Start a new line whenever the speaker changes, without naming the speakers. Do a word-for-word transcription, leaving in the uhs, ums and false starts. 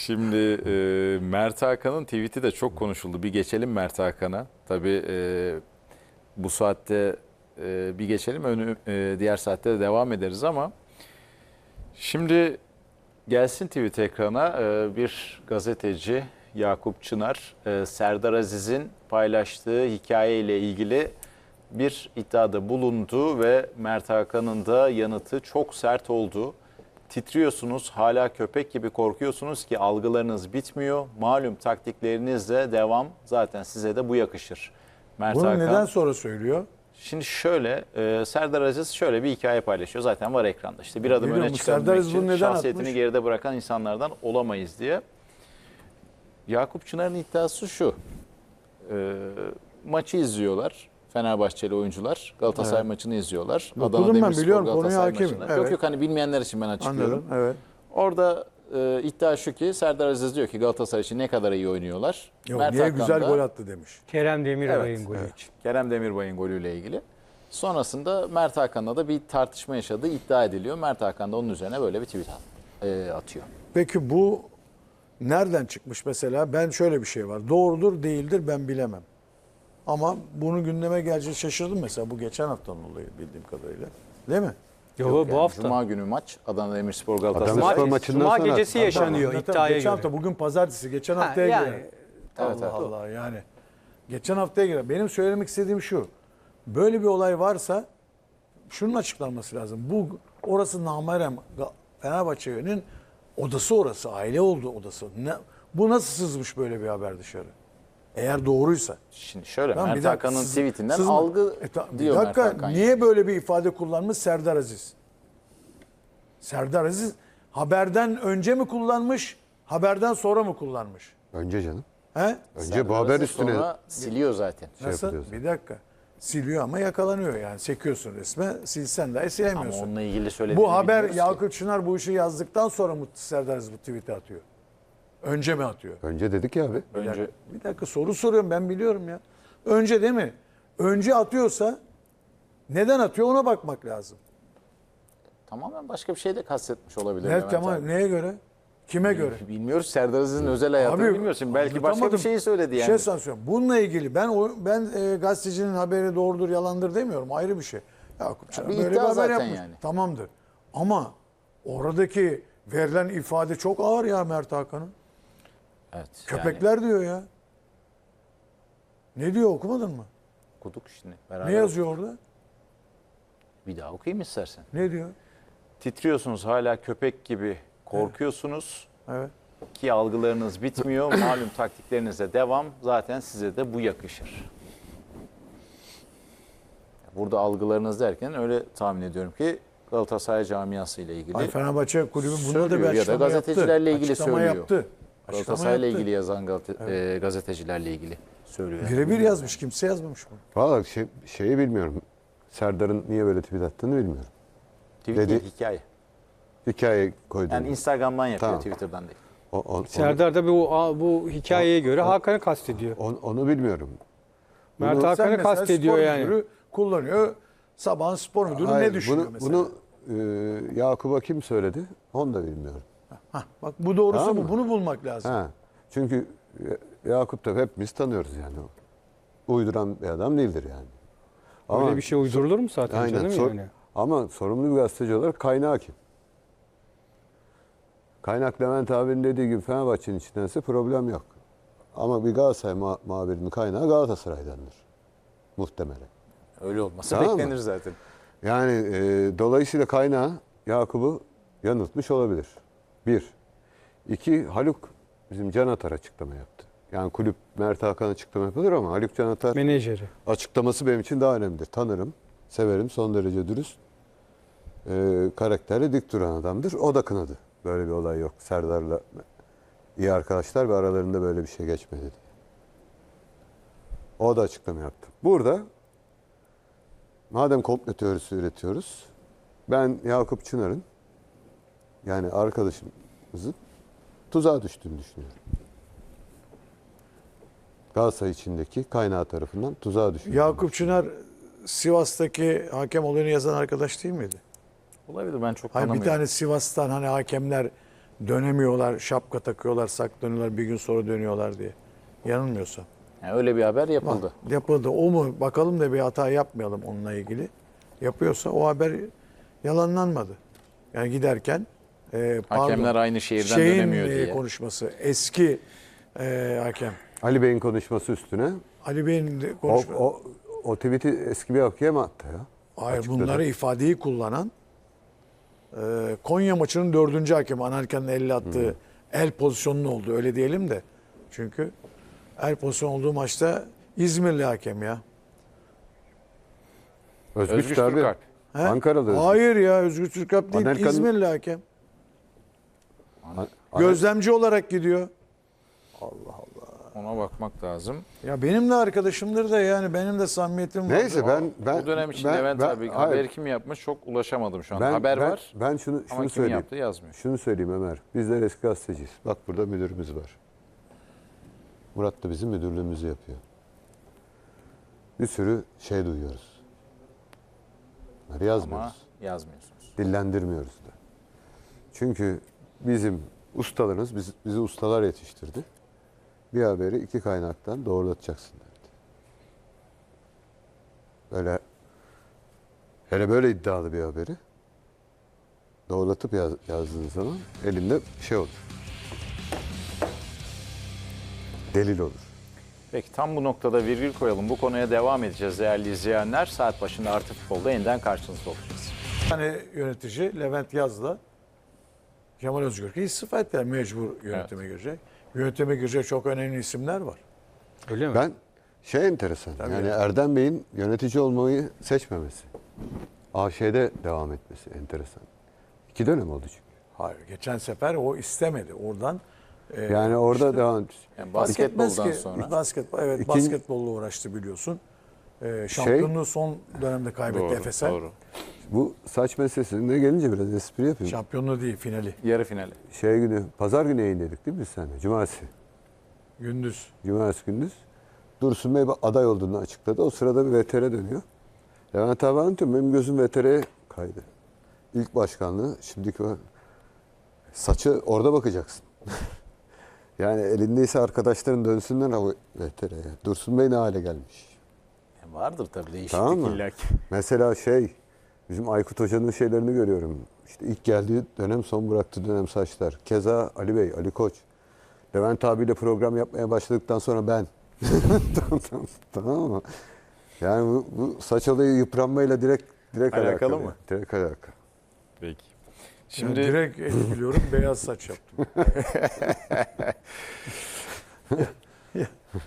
Şimdi e, Mert Hakan'ın tweet'i de çok konuşuldu. Bir geçelim Mert Hakan'a. Tabii e, bu saatte e, bir geçelim. Önü, e, diğer saatte de devam ederiz ama şimdi gelsin tweet ekrana. E, bir gazeteci Yakup Çınar e, Serdar Aziz'in paylaştığı hikaye ile ilgili bir iddiada bulundu ve Mert Hakan'ın da yanıtı çok sert oldu. Titriyorsunuz, hala köpek gibi korkuyorsunuz ki algılarınız bitmiyor. Malum taktiklerinizle devam, zaten size de bu yakışır. Mert
Bunu
Hakan,
neden sonra söylüyor?
Şimdi şöyle, e, Serdar Aziz şöyle bir hikaye paylaşıyor. Zaten var ekranda. İşte bir adım
Biliyorum,
öne
bu Serdar
çıkabilmek
Aziz bunu
için
neden
şahsiyetini
atmış?
geride bırakan insanlardan olamayız diye. Yakup Çınar'ın iddiası şu. E, maçı izliyorlar. Fenerbahçeli oyuncular Galatasaray
Evet.
maçını izliyorlar.
Okudum
Adana
ben,
Demirspor
biliyorum, konuya
Galatasaray
hakimim.
maçını.
Evet.
Yok yok hani bilmeyenler için ben açıklıyorum.
Anladım, evet.
Orada e, iddia şu ki Serdar Aziz diyor ki Galatasaray için ne kadar iyi oynuyorlar.
Yok,
Mert
niye
Hakan
güzel
da-
gol attı demiş.
Kerem Demirbay'ın
Evet,
golü
evet.
için.
Kerem Demirbay'ın golüyle ilgili. Sonrasında Mert Hakan'la da bir tartışma yaşadığı iddia ediliyor. Mert Hakan da onun üzerine böyle bir tweet at- e, atıyor.
Peki bu nereden çıkmış mesela? Ben şöyle bir şey var. Doğrudur değildir ben bilemem. Ama bunu gündeme geleceği şaşırdım mesela. Bu geçen haftanın olayı bildiğim kadarıyla. Değil mi?
Yo,
Yok
bu
yani
hafta.
Cuma günü maç Adana Demirspor
Adana
Galatasaray.
Demirspor
Cuma,
maçından
Cuma
sonra-
gecesi yaşanıyor
Zaten
iddiaya
geçen
göre.
hafta, bugün pazartesi, geçen
Ha,
haftaya
yani,
göre.
evet,
Allah
evet.
Allah yani. Geçen haftaya göre. Benim söylemek istediğim şu. Böyle bir olay varsa şunun açıklanması lazım. Bu orası namerem Fenerbahçe'nin odası orası. Aile oldu odası. Ne, bu nasıl sızmış böyle bir haber dışarı? Eğer doğruysa.
Şimdi şöyle
Tamam,
Mert
bir dakika,
Hakan'ın
sız-
tweetinden
sızma-
algı
E, ta- bir
diyor
dakika,
Mert Hakan.
niye böyle bir ifade kullanmış Serdar Aziz? Serdar Aziz haberden önce mi kullanmış, haberden sonra mı kullanmış?
Önce canım.
He?
Önce
Serdar
bu haber
Aziz
üstüne
sonra siliyor zaten.
şey
Nasıl?
yapılıyoruz.
Bir dakika. Siliyor ama yakalanıyor yani. Çekiyorsun resme, silsen dahi
Ama
silemiyorsun.
onunla ilgili söylediğini
Bu haber
bilmiyoruz ki.
Yakup Çınar bu işi yazdıktan sonra mı Serdar Aziz bu tweet'i atıyor? Önce mi atıyor?
Önce dedik ya abi.
Bir
Önce
dakika, bir dakika soru soruyorum, ben biliyorum ya. Önce değil mi? Önce atıyorsa neden atıyor ona bakmak lazım.
tamamen başka bir şey de kastetmiş olabilir.
Evet,
Levent
tamam.
abi.
Neye göre? Kime göre?
Bilmiyoruz Serdar Aziz'in özel hayatını bilmiyoruz. Şimdi belki başka bir
anlatamadım.
şeyi söyledi
Bir
yani.
şey sana söylüyorum. Bununla ilgili ben o, ben e, gazetecinin haberi doğrudur yalandır demiyorum. Ayrı bir şey. Yakup Çınar
bir
böyle bir
iddia
haber
zaten
yapmış.
yani.
Tamamdır. Ama oradaki verilen ifade çok ağır ya Mert Hakan'ın.
Evet,
Köpekler
yani
diyor ya. Ne diyor, okumadın mı?
okuduk şimdi. Beraber
Ne yazıyor orada?
Bir daha okuyayım istersen.
Ne diyor?
Titriyorsunuz, hala köpek gibi korkuyorsunuz
Evet.
ki algılarınız bitmiyor. Malum taktiklerinize devam. Zaten size de bu yakışır. Burada algılarınız derken öyle tahmin ediyorum ki Galatasaray camiası ile ilgili
Ay, Fenerbahçe kulübü bunda da bir
söylüyor ya da
açıklama yaptı.
gazetecilerle ilgili
Açıklama
söylüyor.
yaptı. Açıklama
Galatasaray ile
yaptı.
ilgili yazan Galata- e, gazetecilerle ilgili söylüyor. yani.
Birebir yazmış. Kimse yazmamış bunu.
Valla şey, şeyi bilmiyorum. Serdar'ın niye böyle tweet attığını bilmiyorum.
Tweet
Dedi-
değil, hikaye.
Hikaye koydum.
Yani Instagram'dan yapıyor,
Tamam.
Twitter'dan değil.
O- o- onu,
Serdar da bu bu hikayeye göre Hakan'ı kastediyor.
onu, onu bilmiyorum.
Mert
Bunu-
Sen
Hakan'ı
mesela
kastediyor
spor
yani.
müdürü kullanıyor. Sabahın spor müdürü
Hayır,
ne düşünüyor
bunu,
mesela?
Bunu e, Yakup'a kim söyledi? Onu da bilmiyorum.
Hah, bak bu doğrusu
Tamam
bu.
mı?
Bunu bulmak lazım.
Ha. Çünkü Ya- Yakup da hepimiz tanıyoruz yani. O uyduran bir adam değildir yani.
Öyle bir şey uydurulur mu zaten
Aynen.
canım
Sor-
yani?
Ama sorumlu bir gazeteci olarak kaynağı kim? Kaynak Levent abinin dediği gibi Fenerbahçe'nin içindense problem yok. Ama bir Galatasaray ma- muhabirinin kaynağı Galatasaray'dandır. Muhtemelen.
Öyle olması
Tamam mı?
beklenir zaten.
Yani e, dolayısıyla kaynağı Yakup'u yanıltmış olabilir. Bir. İki, Haluk bizim Can Atar açıklama yaptı. Yani kulüp Mert Hakan açıklama yapılır ama Haluk Can Atar
Menajeri.
açıklaması benim için daha önemlidir. Tanırım, severim, son derece dürüst, e, karakterli, dik duran adamdır. O da kınadı. Böyle bir olay yok. Serdar'la iyi arkadaşlar ve aralarında böyle bir şey geçmedi diye. O da açıklama yaptı. Burada madem komplo teorisi üretiyoruz, ben Yakup Çınar'ın yani arkadaşımızın tuzağa düştüğünü düşünüyorum. Galatasaray içindeki kaynağı tarafından tuzağa düştüğünü
Yakup Çınar Sivas'taki hakem olayını yazan arkadaş değil miydi?
Olabilir, ben çok
Hayır, bir
anlamıyorum.
tane Sivas'tan hani hakemler dönemiyorlar, şapka takıyorlar, saklanıyorlar, bir gün sonra dönüyorlar diye. Yanılmıyorsam.
Yani öyle bir haber yapıldı.
Bak, yapıldı. O mu? Bakalım da bir hata yapmayalım onunla ilgili. Yapıyorsa o haber yalanlanmadı. Yani giderken e, pardon,
Hakemler aynı şehirden
şeyin,
dönemiyor
e,
diye.
konuşması. Eski e, hakem.
Ali Bey'in konuşması üstüne
Ali Bey'in de
o,
konuşması.
o, o tweet'i eski bir hakem attı ya.
Hayır,
Açıkladı.
bunları ifadeyi kullanan e, Konya maçının dördüncü hakemi Anelka'nın elle attığı el pozisyonlu oldu. Öyle diyelim de. Çünkü el pozisyonu olduğu maçta İzmirli hakem ya.
Özgüç,
Özgüç
tabii.
Türkalp.
He?
Ankara'da Özgüç.
Hayır ya, Özgür Türkalp değil,
Anelka'nın-
İzmirli hakem.
An-
Gözlemci olarak gidiyor.
Ona bakmak lazım.
Ya benim de arkadaşımdır da, yani benim de samimiyetim var.
Neyse ben ben
Bu dönem için
ben-
Levent
ben-
abi
hayır.
haber kim yapmış çok ulaşamadım şu an.
Ben-
haber
ben-
var
Ben şunu
ama
şunu
kim
söyleyeyim.
yaptı yazmıyor.
Şunu söyleyeyim Ömer. Bizler eski gazeteciyiz. Bak burada müdürümüz var. Murat da bizim müdürlüğümüzü yapıyor. Bir sürü şey duyuyoruz. Bunları yazmıyoruz.
Ama yazmıyorsunuz.
Dillendirmiyoruz da. Çünkü bizim ustalarımız biz, bizi ustalar yetiştirdi. Bir haberi iki kaynaktan doğrulatacaksın derdi. Böyle hele böyle iddialı bir haberi doğrulatıp yaz, yazdığın zaman elinde şey olur. Delil olur.
Peki tam bu noktada virgül koyalım. Bu konuya devam edeceğiz değerli izleyenler. Saat başında Artı Futbol'da yeniden karşınızda olacağız.
Bir tane yönetici Levent Yaz'la Kemal Özgürk'ü istifa ettiler, mecbur yönetime girecek. Yönetime girecek çok önemli isimler var.
Öyle mi?
Ben şey enteresan.
Tabii
yani
ya.
Erdem Bey'in yönetici olmayı seçmemesi. A Ş'de devam etmesi enteresan. İki dönem oldu çünkü.
Hayır, geçen sefer o istemedi. Oradan e,
Yani orada devam
Yani
fark etmez
basketboldan
ki,
sonra.
Basketbol, evet,
İkinci-
basketbolla uğraştı biliyorsun. E, şampiyonluğu son dönemde kaybetti
Doğru,
Efes'e.
doğru.
bu saç meselesine gelince biraz espri yapayım.
Şampiyonluğu değil, finali.
Yarı finali.
Şey günü, pazar günü yayınladık değil mi biz seninle? Cumartesi.
Gündüz.
Cumartesi gündüz. Dursun Bey aday olduğunu açıkladı. O sırada bir V T R dönüyor. Levent abi anlatıyorum. Benim gözüm V T R'ye kaydı. İlk başkanlığı, şimdiki o saçı orada bakacaksın. Yani elindeyse arkadaşların dönsünler o V T R'ye. Dursun Bey ne hale gelmiş.
Yani vardır tabii değişiklik
Tamam mı?
illaki.
Mesela şey, bizim Aykut Hoca'nın şeylerini görüyorum. İşte ilk geldiği dönem, son bıraktığı dönem saçlar. Keza Ali Bey, Ali Koç. Levent abiyle program yapmaya başladıktan sonra ben. tamam, tamam, tamam mı? Yani bu, bu saç olayı yıpranmayla direkt direkt
Alakalı
alakalı.
mı?
Direkt alakalı.
Peki.
Şimdi
Şimdi
direkt etkiliyorum, beyaz saç yaptım.